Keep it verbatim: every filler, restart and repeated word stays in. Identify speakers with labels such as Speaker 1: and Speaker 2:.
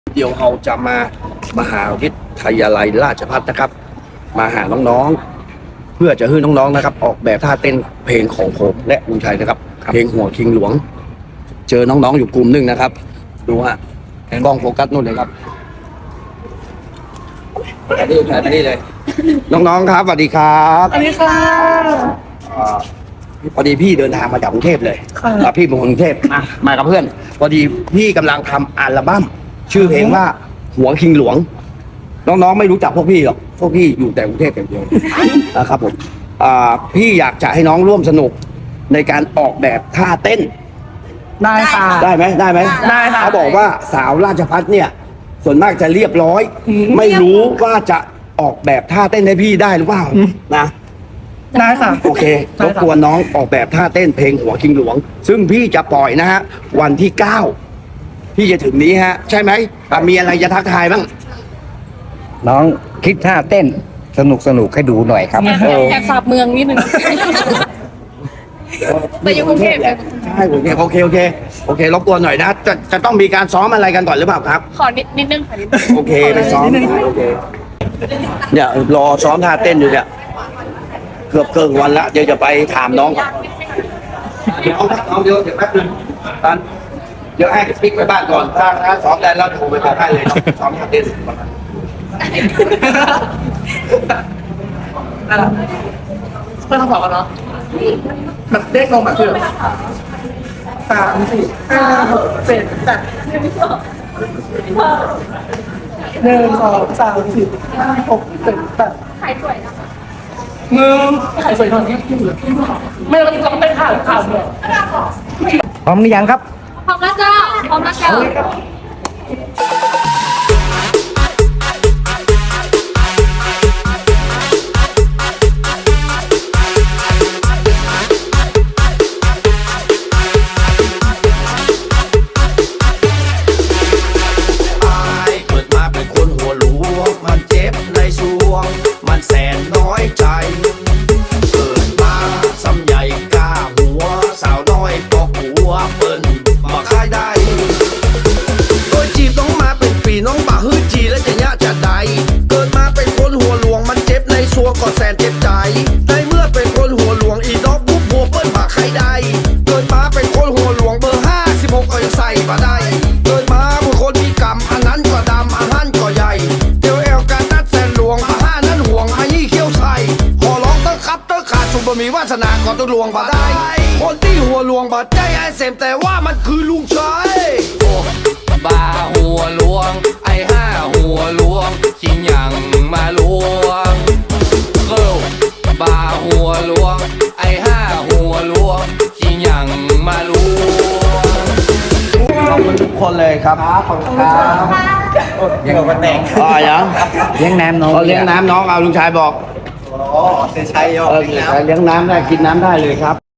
Speaker 1: เดี๋ยวเราจะมามหาวิทยาลัยราชภัฏนะครับ มาหาน้องๆ เพื่อจะให้น้องๆนะครับ ออกแบบท่าเต้นเพลงของผมและลุงชัยนะครับ เพลงหัวคิงหลวง เจอน้องๆอยู่กลุ่มหนึ่งนะครับ ดูฮะกล้องโฟกัสนู่นเลยครับอันนี้ถ่ายไปนี่เลย น้องๆครับสวัสดีครับ
Speaker 2: สวัสดีค่ะ
Speaker 1: อ่าพอดีพี่เดินทางมาจากกรุงเทพเลย
Speaker 2: ค่ะ
Speaker 1: อ่าพี่เป็นคนกรุงเทพอ่ะมากับเพื่อน พอดีพี่กำลังทำอัลบั้มชื่อเพลงว่าหัวคิงหลวง น้องๆไม่รู้จักพวกพี่หรอก พวกพี่อยู่แต่กรุงเทพอย่างเดียวนะครับผมอ่าพี่อยากจะให้น้องร่วมสนุกในการออกแบบท่าเต้น
Speaker 2: ได้ค่ะ
Speaker 1: ได้ไหมได้ไหม
Speaker 2: ได้ค่ะ
Speaker 1: เขาบอกว่าสาวราชพัฒเนี่ย ส่วนมากจะเรียบร้อย
Speaker 2: อืม
Speaker 1: ไม่รู้ว่าจะออกแบบท่าเต้นให้พี่ได้หรือเปล่านะ
Speaker 2: ได้ค่ะ
Speaker 1: โอเค
Speaker 2: ได้
Speaker 1: ร
Speaker 2: ครับ
Speaker 1: บกวนน้องออกแบบท่าเต้นเพลงหัวคิงหลวง ซึ่งพี่จะปล่อยนะฮะวันที่เก้าพี่จะถึงนี้ฮะ ใช่ไหมอ่ะมีอะไรจะทักทายบ้าง
Speaker 3: น้องคิดท่าเต้นสนุกสนุกให้ดูหน่อยครับ
Speaker 1: เออ
Speaker 4: แอบสาบเมืองนิดนึง แต่อยู่กรุงเทพ
Speaker 1: แหละใช่กรุงเทพโอเคโอเคโอเครบกวนหน่อยนะจะจะต้องมีการซ้อมอะไรกันก่อนหรือเปล่าครับ
Speaker 4: ขอนิดนิดนึงค่ะนิดนึง
Speaker 1: โอเคไปซ้อมโอเคเนี่ยรอซ้อมท่าเต้นอยู่เนี่ยเกือบเกินวันละเดี๋ยวจะไปถามน้องก่อนเดี๋ยวน้องเดี๋ยวเดี๋ยวแป๊บนึงตอนเดี๋ยวให้ปิ๊กไปบ้านก่อนถ้าถ้าซ้อมได้แล้วโทรไปบอกให้เลยซ้อมท่าเต้นก่อนนะ
Speaker 2: เพื่อนทำสอบกันเนาะแบบเด็กลงแบบคือสามสี่ห้าหกเจ็ดแปดหนึ่งสองสามสี่ห้าหกเจ็ดแปด
Speaker 4: ถ่ายสวยนะคะ
Speaker 2: มึงขายสวยหน่อยไม่ต้องต้องเป็นข่าวข่าวเลย
Speaker 3: พร้อมหรือยังครับ
Speaker 4: พร้อมแล้วเจ้าพร้อมแล้วเจ้า
Speaker 1: ตายเกิดมาเป็นคนหัวหลวงมันเจ็บในสวง มันแสนน้อยใจ เกิดมาซ้ำใหญ่กล้าหัว สาวน้อยปอกหัวเปิ้นมาค่ายได้โดยจีบน้องมาเป็นปีน้องบ่าฮื้อจีและจะยะจะใด เกิดมาเป็นคนหัวหลวงมันเจ็บในสวงก็แสนเจ็บใจในเมื่อเป็นคนหัวหลวงอีดอกปุ๊บหัวเปิ้นมาใครได้ เกิดมาเป็นคนหัวหลวงเบอร์ห้าสิบหกก็ยังใส่มาได้ เกิดมาเป็นคนมีกรรมอันนั้นก็ดำอันนั้นก็ใหญ่เดี๋ยวแอลการนัดแสนหลวงอาห้านั้นห่วงอายี่เขี้ยวใส่ขอร้องเต้อครับเต้อขาดสุบมีวาสนาก่อนต้องหลวงมาได้ คนที่หัวหลวงบาดใจไอ้เสมแต่ว่ามันคือลุงชัย
Speaker 5: บ้าหัวหลวง ไอ้ห้าหัวหลวงจริงอย่างมาลวงเกิลบ้าหัวหลวง ไอ้ห้าหัวหลวงจริงอย่างมาลวง
Speaker 1: ขอบคุณทุกคนเลยครับขอบคุณครับ
Speaker 3: ยังมาแต่ง
Speaker 1: อ๋อยัง
Speaker 3: เลี้ยงน้ำน้อง
Speaker 1: เอาเลี้ยงน้ำน้องเอาลุงชายบอก
Speaker 3: อ๋อเซชัยยอ
Speaker 1: เออเลี้ยงน้ำได้กินน้ำได้เลยครับ